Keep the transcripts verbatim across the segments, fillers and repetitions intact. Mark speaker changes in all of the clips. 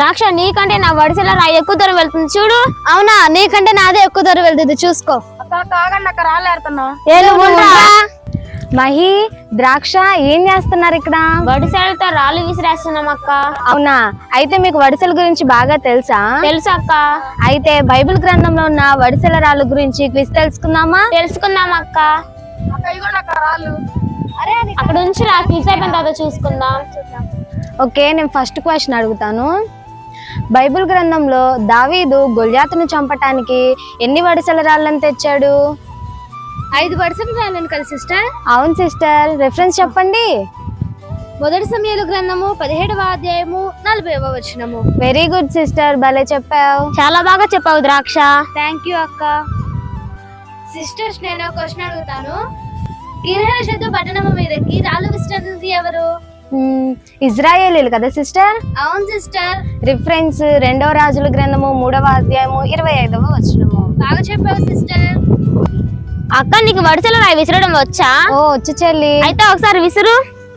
Speaker 1: ద్రాక్ష నీకంటే నా వడిసెల రాయి ఎక్కువ దూరం వెళ్తుంది చూడు.
Speaker 2: అవునా, నీకంటే నాదే ఎక్కువ దూరం వెళ్తుంది చూసుకో.
Speaker 3: అక్క కాగండి అక్క రాలేరుతున్నా.
Speaker 2: మహి, ద్రాక్ష ఏం చేస్తున్నారు ఇక్కడ?
Speaker 1: వడిసెలతో రాళ్ళు విసిరేస్తున్నాం అక్క.
Speaker 2: అవునా, అయితే మీకు వడిసెల గురించి బాగా తెలుసా?
Speaker 1: తెలుసు అక్క.
Speaker 2: అయితే బైబిల్ గ్రంథంలో ఉన్న వడిసెల రాళ్ళ గురించి క్విజ్ తెలుసుకుందామా?
Speaker 1: తెలుసుకుందాం అక్క.
Speaker 3: అక్క ఇగోండి అక్క రాళ్ళు.
Speaker 1: అక్కడ నుంచి నా క్విజ్ అయిపోయిన తర్వాత చూసుకుందాం.
Speaker 2: ఓకే, నేను ఫస్ట్ క్వశ్చన్ అడుగుతాను. బైబిల్ గ్రంథంలో దావీదు గొల్యాతును చంపటానికి ఎన్ని వడిసెల రాళ్ళని తెచ్చాడు?
Speaker 1: ఐదు వడిసెల రాళ్ళను కదా సిస్టర్?
Speaker 2: అవును సిస్టర్, రిఫరెన్స్ చెప్పండి.
Speaker 1: మొదటి సమయాల గ్రంథము పదిహేడవ అధ్యాయము నలభైవ వచనము.
Speaker 2: వెరీ గుడ్ సిస్టర్, భలే చెప్పావు.
Speaker 1: చాలా బాగా చెప్పావు ద్రాక్ష.
Speaker 2: థ్యాంక్ యూ అక్క.
Speaker 1: సిస్టర్స్, నేను క్వశ్చన్ అడుగుతాను. గిరిహేషతు పట్టణము మీదకి రాళ్ళు విసిరినది ఎవరు?
Speaker 2: ఇజ్రాయేలీలు కదా సిస్టర్?
Speaker 1: అవును సిస్టర్.
Speaker 2: రిఫరెన్స్ రెండవ రాజుల గ్రంథము మూడవ అధ్యాయము ఇరవై ఐదవ వచనము.
Speaker 1: బాగా చెప్పావు సిస్టర్. అక్క, నీకు వడిసెల రాయి విసరడం వచ్చా?
Speaker 2: ఓ వచ్చు చెల్లి.
Speaker 1: అయితే ఒకసారి విసురు.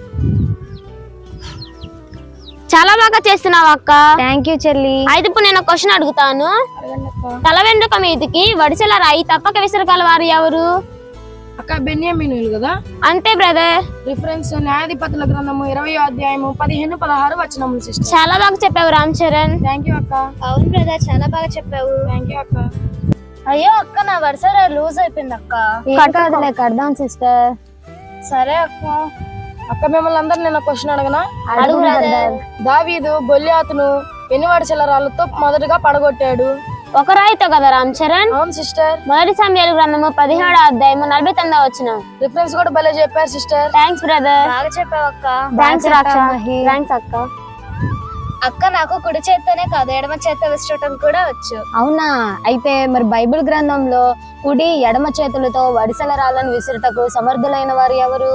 Speaker 1: చాలా బాగా చేస్తున్నావు అక్క.
Speaker 2: థ్యాంక్ యూ చెల్లి.
Speaker 1: అయితే ఇప్పుడు నేను క్వశ్చన్ అడుగుతాను. తల వెంట్రుక మీదకి వడిసెల రాయి తప్పక విసరగల వారు ఎవరు?
Speaker 3: అక్క బెన్యామీనులు కదా?
Speaker 1: అంతే బ్రదర్.
Speaker 3: రిఫరెన్స్ న్యాయాధిపతుల గ్రంథము ఇరవై అధ్యాయము పదిహేను పదహారు వచనములు సిస్టర్.
Speaker 1: చాలా బాగా చెప్పావు రామ్ చరణ్.
Speaker 3: థ్యాంక్ యూ అక్క.
Speaker 2: అవును బ్రదర్, చాలా బాగా చెప్పావు.
Speaker 3: థ్యాంక్ యూ అక్క.
Speaker 2: అయ్యో అక్క, నా వడిసెల లూజ్ అయిపోయింది అక్క. కడదాంలే, కడదాం సిస్టర్.
Speaker 3: సరే అక్క. అక్క మిమ్మల్ని అందరు నేను క్వశ్చన్ అడగనా?
Speaker 2: అడుగు బ్రదర్.
Speaker 3: దావీదు గొల్యాతును ఎన్ని వడిసెల రాళ్ళతో మొదటగా పడగొట్టాడు?
Speaker 1: ఒక రాయితో కదా రామ్ చరణ్?
Speaker 3: అవును సిస్టర్.
Speaker 1: మొదటి సమయాల గ్రంథము పదిహేడో అధ్యాయము నలభై తొమ్మిదో వచ్చిన.
Speaker 3: రిఫరెన్స్ కూడా భలే చెప్పారు సిస్టర్.
Speaker 1: Thanks brother.
Speaker 2: బాగా చెప్పావు అక్క.
Speaker 1: థ్యాంక్స్ రాక్ష. థ్యాంక్స్ అక్క.
Speaker 2: అక్క, నాకు కుడి చేత్తోనే కాదు ఎడమ చేత్తో విసరటం కూడా వచ్చు. అవునా, అయితే మరి బైబిల్ గ్రంథంలో కుడి ఎడమ చేతులతో వడిసెల రాళ్ళను విసురుటకు సమర్థులైన వారు ఎవరు?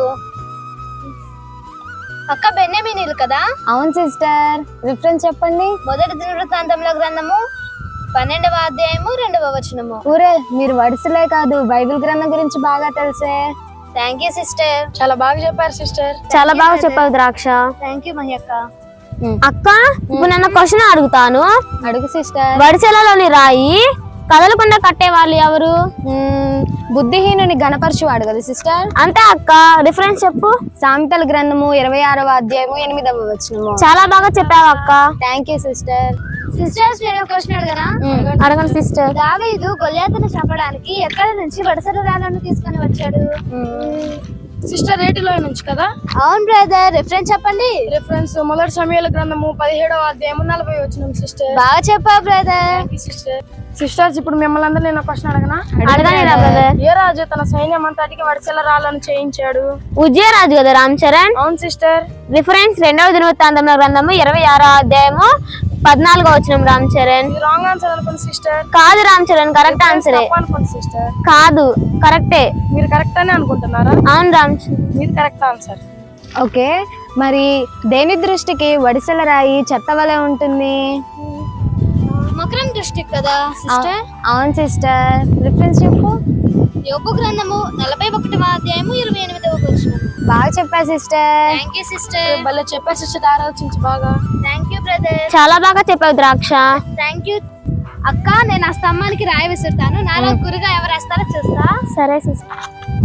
Speaker 2: అక్క బెన్యామీనీలు కదా? అవును సిస్టర్. రిఫరెన్స్ చెప్పండి. మొదటి దినవృత్తాంతముల గ్రంథము పన్నెండవ అధ్యాయము రెండవ వచనము. ఊరే, మీరు వడిసెలే కాదు బైబిల్ గ్రంథం గురించి బాగా తెలుసే. Thank you sister.
Speaker 3: చాలా బాగా చెప్పారు సిస్టర్.
Speaker 1: చాలా బాగా చెప్పావు ద్రాక్ష.
Speaker 2: థ్యాంక్ యూ మహి అక్క.
Speaker 1: అక్క, ఇప్పుడు నన్ను క్వశ్చన్ అడుగుతాను.
Speaker 2: అడుగు సిస్టర్.
Speaker 1: వడిసెలలోని రాయి కదలకుండా కట్టే వాళ్ళు ఎవరు?
Speaker 2: బుద్ధిహీనుని గణపరచువాడు కదా సిస్టర్?
Speaker 1: అంతే అక్క. రిఫరెన్స్ చెప్పు.
Speaker 2: సామెతల గ్రంథము ఇరవై ఆరవ అధ్యాయము ఎనిమిదవ వచనము.
Speaker 1: చాలా బాగా చెప్పావు అక్క.
Speaker 2: Thank you sister. సిస్టర్స్, నేను క్వశ్చన్ అడగనా?
Speaker 1: అడగండి సిస్టర్.
Speaker 2: దావీదు గొల్యాతును చంపడానికి ఎక్కడి నుంచి వడిసెల రాళ్ళను తీసుకొని వచ్చాడు?
Speaker 3: సిస్టర్ రేటిలో నుంచి కదా?
Speaker 2: అవును బ్రదర్. రిఫరెన్స్ చెప్పండి.
Speaker 3: రిఫరెన్స్ మొదటి సమయాల గ్రంథము పదిహేడవ అధ్యాయము నలభై వచనం సిస్టర్.
Speaker 2: బాగా చెప్పావు బ్రదర్.
Speaker 3: సిస్టర్ సిస్టర్స్, ఇప్పుడు మిమ్మల్ని అందరూ నేను క్వశ్చన్ అడగనా?
Speaker 1: అడగని బ్రదర్.
Speaker 3: ఏ రాజు తన సైన్యం అంతటికి వడిసెల రాళ్ళను చేయించాడు?
Speaker 1: ఉజ్జయ రాజు కదా రామ్ చరణ్?
Speaker 3: అవును సిస్టర్.
Speaker 1: రిఫరెన్స్ రెండవ దినవృత్తాంతముల గ్రంథము ఇరవై ఆరో అధ్యాయము పద్నాలుగో వచనం రామ్ చరణ్.
Speaker 3: రాంగ్ ఆన్సర్ అనుకోండి సిస్టర్.
Speaker 1: కాదు రామ్ చరణ్, కరెక్ట్ ఆన్సరే.
Speaker 3: అనుకోండి సిస్టర్.
Speaker 1: కాదు, కరెక్టే.
Speaker 3: మీరు కరెక్ట్ అని అనుకుంటున్నారా?
Speaker 1: అవును రామ్,
Speaker 3: మీరు కరెక్ట్ ఆన్సర్.
Speaker 2: ఓకే, మరి దేని దృష్టికి వడిసెల రాయి చెత్త వలె ఉంటుంది? మకరం దృష్టికి కదా సిస్టర్? అవును సిస్టర్. రిఫరెన్స్ చెప్పు. యోబు గ్రంథము నలభై ఒకటవ అధ్యాయము ఇరవై ఎనిమిదవ వచనం. బాగా చెప్పారు సిస్టర్. Thank you sister.
Speaker 3: భలే చెప్పారు సిస్టర్, ఆలోచించి బాగా.
Speaker 2: Thank you brother.
Speaker 1: చాలా బాగా చెప్పావు ద్రాక్ష.
Speaker 2: థ్యాంక్ యూ అక్క. నేను ఆ స్తంభానికి రాయి విసురుతాను, నాలో గురుగా ఎవరు వేస్తారో చూస్తా.
Speaker 1: సరే సిస్టర్.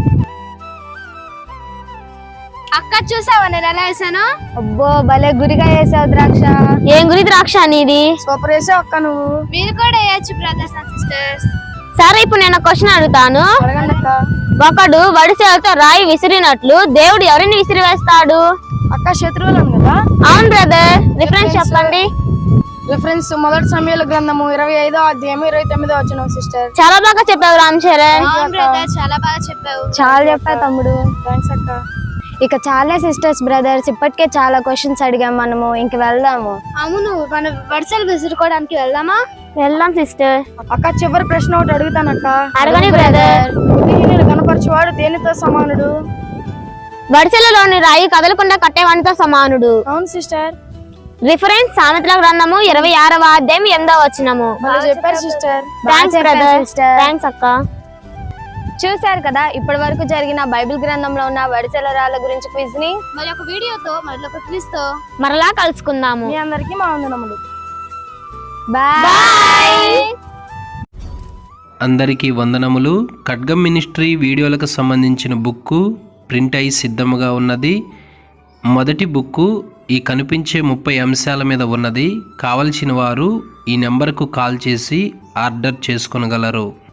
Speaker 2: అక్క, చూసావా నేను ఎలా వేసాను? అబ్బో, భలే గురిగా వేసావు ద్రాక్ష.
Speaker 1: ఏం గురి ద్రాక్ష నీది?
Speaker 3: సూపర్ వేసావు అక్క నువ్వు.
Speaker 2: మీరు కూడా వేయచ్చు బ్రదర్స్ అండ్ సిస్టర్స్.
Speaker 1: సరే, ఇప్పుడు నేను క్వశ్చన్ అడుగుతాను.
Speaker 3: అడగండి అక్క.
Speaker 1: ఒకడు వడిసెలతో రాయి విసిరినట్లు దేవుడు ఎవరిని విసిరి వేస్తాడు?
Speaker 3: అక్క శత్రువులను కదా?
Speaker 1: అవును బ్రదర్. రిఫరెన్స్ చెప్పండి.
Speaker 3: రిఫరెన్స్ మొదటి సమయాల గ్రంథము ఇరవై ఐదో అధ్యాయము ఇరవై తొమ్మిదో వచనం సిస్టర్.
Speaker 1: చాలా బాగా చెప్పావు రామ్ చరణ్.
Speaker 2: చాలా బాగా చెప్పావు. చాలా చెప్పావు తమ్ముడు.
Speaker 3: థ్యాంక్స్ అక్క.
Speaker 2: ఇక చాలా సిస్టర్స్ బ్రదర్స్, ఇప్పటికే చాలా క్వశ్చన్స్ అడిగాం మనము. ఇంక వెళ్దాము. అవును, మన వడిసెలు విసురుకోవడానికి వెళ్దామా?
Speaker 1: వెళ్దాం సిస్టర్.
Speaker 3: అక్క, చివరి ప్రశ్న ఒకటి అడుగుతాను అక్క.
Speaker 1: అడగని బ్రదర్.
Speaker 3: బుద్ధిహీనులు కనపరచువాడు దేనితో సమానుడు?
Speaker 1: వడిసెలలోని రాయి కదలకుండా కట్టేవానితో సమానుడు.
Speaker 3: అవును సిస్టర్.
Speaker 1: రిఫరెన్స్ సామెతల గ్రంథము ఇరవై ఆరవ అధ్యాయం ఎనిమిదో వచనము.
Speaker 3: చెప్పారు సిస్టర్.
Speaker 1: Thanks brother. థ్యాంక్స్ అక్క.
Speaker 2: చూశారు కదా ఇప్పటి వరకు జరిగిన బైబిల్ గ్రంథంలో ఉన్న వడిసెల రాళ్ళ గురించి క్విజ్ ని. మరి ఒక వీడియోతో మరి ఒక క్విజ్ తో
Speaker 1: మరలా కలుసుకుందాము.
Speaker 3: మీ అందరికీ మా వందనములు.
Speaker 2: బాయ్.
Speaker 4: అందరికీ వందనములు. ఖడ్గం మినిస్ట్రీ వీడియోలకు సంబంధించిన బుక్కు ప్రింట్ అయి సిద్ధముగా ఉన్నది. మొదటి బుక్కు ఈ కనిపించే ముప్పై అంశాల మీద ఉన్నది. కావలసిన వారు ఈ నెంబర్కు కాల్ చేసి ఆర్డర్ చేసుకొనగలరు.